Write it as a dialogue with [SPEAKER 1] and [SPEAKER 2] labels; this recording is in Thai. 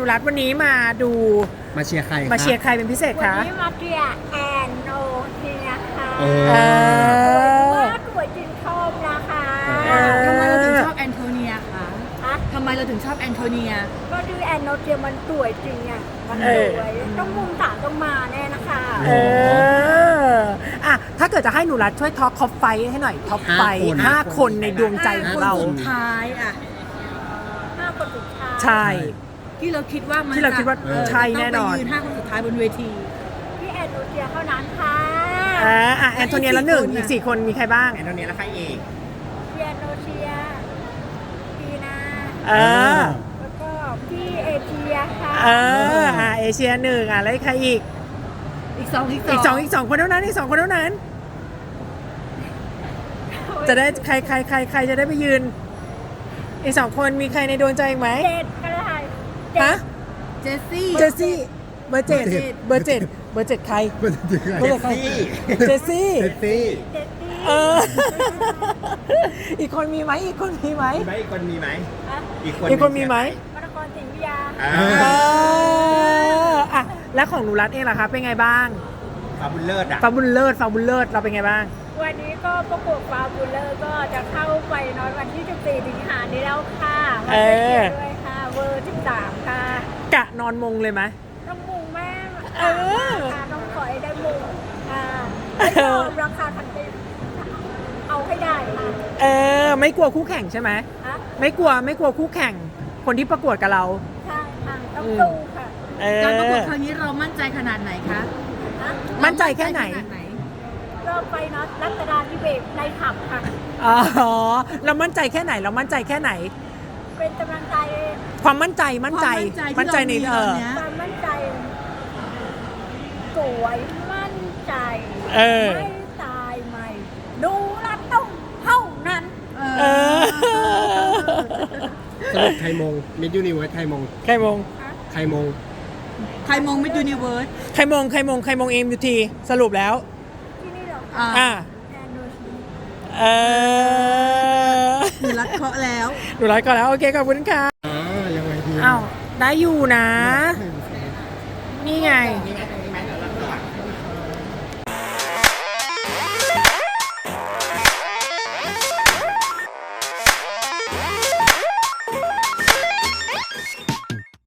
[SPEAKER 1] นุรัตวันนี้มาดู
[SPEAKER 2] มาเชียร์ใคร
[SPEAKER 1] มาเชียร์ใครเป็นพิเศษ
[SPEAKER 3] วัน
[SPEAKER 1] คะ
[SPEAKER 3] นี้มาเชียร์แอนโนเทียค่ะ
[SPEAKER 2] เอ
[SPEAKER 1] เอ
[SPEAKER 2] อ
[SPEAKER 1] อ
[SPEAKER 3] ว่าตัวจริงชอบนะคะ
[SPEAKER 4] ทำไมเราถึงชอบแอนโทเนียคะ
[SPEAKER 3] ฮะ
[SPEAKER 4] ทำไมเราถึงชอบแอนโทเนีย
[SPEAKER 3] ก็ดูแอนโนเทียมันสวยจริงอ่ะมันสวยต้องมุมสามต้องมาแน่นะคะ
[SPEAKER 1] เอออ่ะถ้าเกิดจะให้หนูรัตช่วยท็อปไฟให้หน่อยท็อปไฟ 5 คนในดวงใจของเรา
[SPEAKER 4] สุดท้ายอ่ะ
[SPEAKER 3] 5 คนสุดท้าย
[SPEAKER 1] ใช่
[SPEAKER 4] ที่เราคิดว่ามัน
[SPEAKER 1] ที่เราคิดว่าใช่แน่นอน
[SPEAKER 4] ต้องไปยืน5 คนสุดท้ายบนเวที
[SPEAKER 3] พี่แอนโนเทียเท่านั้นค่ะ
[SPEAKER 1] แอนโทเนียละหนึ่งอีก 4 คนมีใครบ้าง
[SPEAKER 2] แอนโทเนียแล้วใครอีก
[SPEAKER 3] พี่แอนโนเทียพีนา
[SPEAKER 1] เออ
[SPEAKER 3] แล้วก็พี่เอเชียค่ะ
[SPEAKER 1] เอเชียหนึ่งแล้วใครอีก
[SPEAKER 4] อีกสอง
[SPEAKER 1] อีกสองคนเท่านั้นอีก 2 คนเท่านั้น จะได้ใครจะได้ไปยืน อีก 2 คนมีใครในดวงใจอีกไหม
[SPEAKER 3] เจ็ดก็ได้
[SPEAKER 1] ฮะ
[SPEAKER 4] เจสซี่
[SPEAKER 1] เจสซี่เบอร์เจ็ดเบอร์เจ็ดเบอร์เจ็ดใคร
[SPEAKER 2] เบอร์เจ็ด
[SPEAKER 1] เบอร์เจ็ดใครเจสซี่
[SPEAKER 2] เจสซี่
[SPEAKER 3] เจ็ดปี
[SPEAKER 1] เออ อีกคนมีไหมอีกคนมีไหม
[SPEAKER 2] มีไหมอีกคนมีไหม
[SPEAKER 3] ฮะ
[SPEAKER 2] อีกคน
[SPEAKER 1] อีกคนมีไหม
[SPEAKER 3] มรกรสิงห์วิทยา
[SPEAKER 2] อ่า
[SPEAKER 1] เอออ่ะแล้วของหนูรัตเองล่ะคะเป็นไงบ้าง
[SPEAKER 2] ฟาบุลเลอร์อ่ะ
[SPEAKER 1] ฟาบุลเลิศเราเป็นไงบ้าง
[SPEAKER 3] วันนี้ก็ประกวดฟาบูลเลอร์ก็จะเข้าไปนอนวันที่ 14 สิงหานี้แล้วค่ะมาไปเชียร์ด้วยค่ะ เวอร์ 13 ค่ะ
[SPEAKER 1] กะนอนมงเลยไหม
[SPEAKER 3] ต้องมุงแม่
[SPEAKER 1] เออ
[SPEAKER 3] ค่ะต้องขอให้ได้มุงไม่ยอมราคาทันทีเอาให้ได้ค่ะ
[SPEAKER 1] ไม่กลัวคู่แข่งใช่ไหม
[SPEAKER 3] ฮะ
[SPEAKER 1] ไม่กลัวคู่แข่ง คนที่ประกวดกับเรา
[SPEAKER 3] ใช่ค่ะต้องสู้ค่ะ
[SPEAKER 4] การประกวดครั้งนี้เรามั่นใจขนาดไหนคะ
[SPEAKER 3] ฮะ
[SPEAKER 1] มั่นใจแค่ไหน
[SPEAKER 3] ก็ไปเนาะรัตดาธิเบศในขับค่ะ
[SPEAKER 1] อ๋อเรามั่นใจแค่ไหน
[SPEAKER 3] เป็นกำลังใจ
[SPEAKER 1] ความมั่นใจใน
[SPEAKER 3] ความมั่นใจ สวยมั่นใจ ไม่ตายใหม่ ดูรัดต้องเท่านั้น
[SPEAKER 1] เออ
[SPEAKER 2] สรุปใครมงมิดยูนิเวิร์สใครมง
[SPEAKER 1] ใครมง
[SPEAKER 2] ใครมง
[SPEAKER 4] ใครมงมิดยูนิเวิร์ส
[SPEAKER 1] ใครมงเอ็มยูทีสรุปแล้ว
[SPEAKER 3] ที่นี่เหรอ
[SPEAKER 1] อ่า
[SPEAKER 3] แอนโดชี
[SPEAKER 1] เออ
[SPEAKER 4] หนูรัดเคาะแล้ว
[SPEAKER 1] หนูรัดก่อนแล้ว โอเคขอบคุณค่ะ
[SPEAKER 2] ยังไงดี
[SPEAKER 1] อ้าวได้อยู่นะ นี่ไง
[SPEAKER 2] นี่ไง